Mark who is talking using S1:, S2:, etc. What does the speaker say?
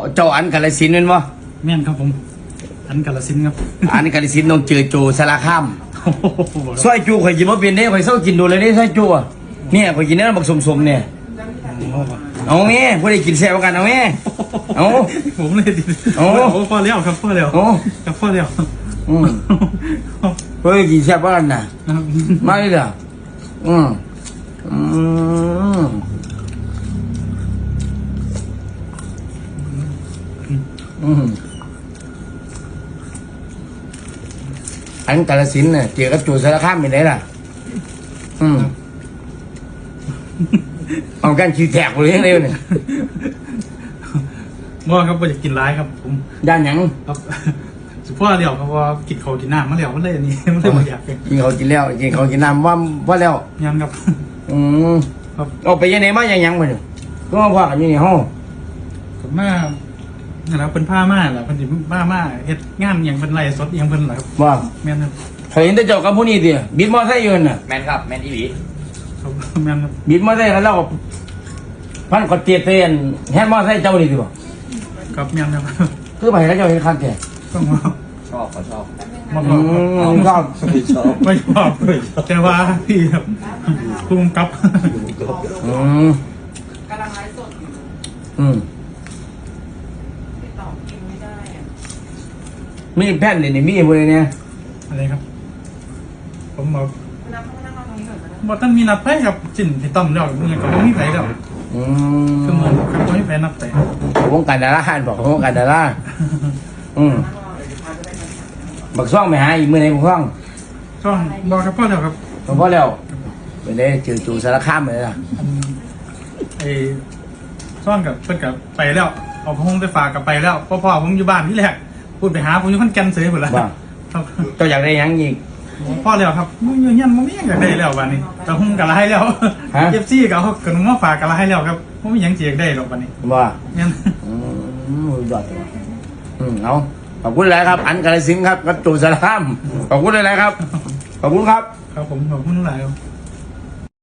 S1: เจ้าอันกาฬสินธุ์เป็นบ่
S2: แม่นครับผมอันกาฬสินธุ์ครับ
S1: อันกาฬสินธุ์ต้องเจอโจสารคาม
S2: โอ้โห
S1: ซอยจูข่อยกินบ่เป็นเด้ข่อยเศร้ากินดูเลยนี่ซอยจูอ่ะเนี่ยข่อยกินเนื้อบักสมๆเนี่ยเอาแม่ผู้ใดกินแซ่บกันเอาแม่เอา
S2: ผมเลยดิ
S1: โอ้
S2: พอแล้วครับพอแล้ว
S1: โอ้
S2: ครับพอแล้ว
S1: อืมเฮ้ยกินแซ่บกันน่ะมาเลยเหรออืมอันกาฬสินธุ์น่ะเจอกับโจสารคามเป็นไงล่ะเอากันคิวแตกเลยเร็วเนี่ย
S2: บ่ครับบ่อยากกินร้ายครับผม
S1: ด้านหยัง
S2: ครับสุพ่อเดียวครับว่ากินข้าวกินน้ำมาแล้วมันเลยอันนี้มันเลยบ่อยากเลย
S1: กินเขาวกินแล้วกินเขาวกินน้ำว่าแล้ว
S2: ยังครับ ครับ
S1: เอาไปยังไงมายังมาเนี่ยก็มาว่ากันอยู่ในห้อง
S2: ผมมานะครับเป็นผ้าม่าแหละเป็นสิผ้าม่าเฮ็ดงานอย่างเป็นไรสดอย่างเป็นไรครับ
S1: ว่า
S2: แม่นครับ
S1: เคยเห็นแต่เจ้ากับผู้นี้ดิบิดมอไซค์อยู่น่ะ
S3: แมนครับแมนอีหลี
S2: ครับแม่นครับ
S1: บิดมอไซค์แล้วเราก็พันกดเตียเตียนแฮนด์มอไซค์เจ้านี่ดิบ่
S2: ครับแม่นครับ
S1: คือไปแล้วเจ้าเห็นคันแก่
S2: ต้องมา
S3: ชอบเขาชอบ
S2: มาบอกครับ
S1: ชอบ
S3: ไม่ชอบ
S2: ไม่ชอบแต่ว่าพี่ครับภูมิกับ
S1: อืม
S4: กำลังไลฟ์สดอยู่
S1: อืม
S4: ติดต่อคิวไม่ได้อะ
S1: มีแผ่นนี่มีอะไรเนี่ย
S2: อะไรครับ ผมบอก
S4: คุณน้ำเขานั่งรอตรงนี้ก่อนนะ
S2: บอกท่านมีนัดไปครับจินที่ต้องเดี๋ยวมึงก็บ่มีไปแล้ว
S1: อื
S2: คือ
S1: ม
S2: เหมือนครับบ่มีไปนัดไป
S1: วงการดาราบอกวงการดาราอืม
S4: นั่งรอเลยเดี๋ยวพาจะไปทำ
S1: บักซ่องไปหาอีกมือไหนบักซ่อง
S2: ช่องบอกครับพ่อเดียวครับ
S1: หลวงพ่อแล้วไปได้เจอจูสารคามเลยล่ะ
S2: ไอ้ช่องกับเพิ่นกับไปแล้วเอาพงไปฝากกับไปแล้วพ่อผมอยู่บ้านที่แรกพูดไปหาผมอยู่คนแก่นเสยหมดแล้ว
S1: ว่า
S2: ครับ
S1: เจ้าอยากได้หยังอีก
S2: พ่อแล้วครับมึงอยู่เงี้ยมึงไม่อยากได้แล้ววันนี้แต่ผมกะไรแล้ว
S1: ฮะ
S2: เอฟซีกับเขาขนมมาฝากกะไรแล้วครับผมไม่ยังเจียกได้หรอกวันนี้
S1: ว่า
S2: เนี่ย
S1: ยอดเอาขอบคุณหลายครับ อันกาลสินธุ์ครับกับจูสารคามขอบคุณหลายครับ ขอบคุณครับ
S2: ครับผมขอบคุณหลายครับ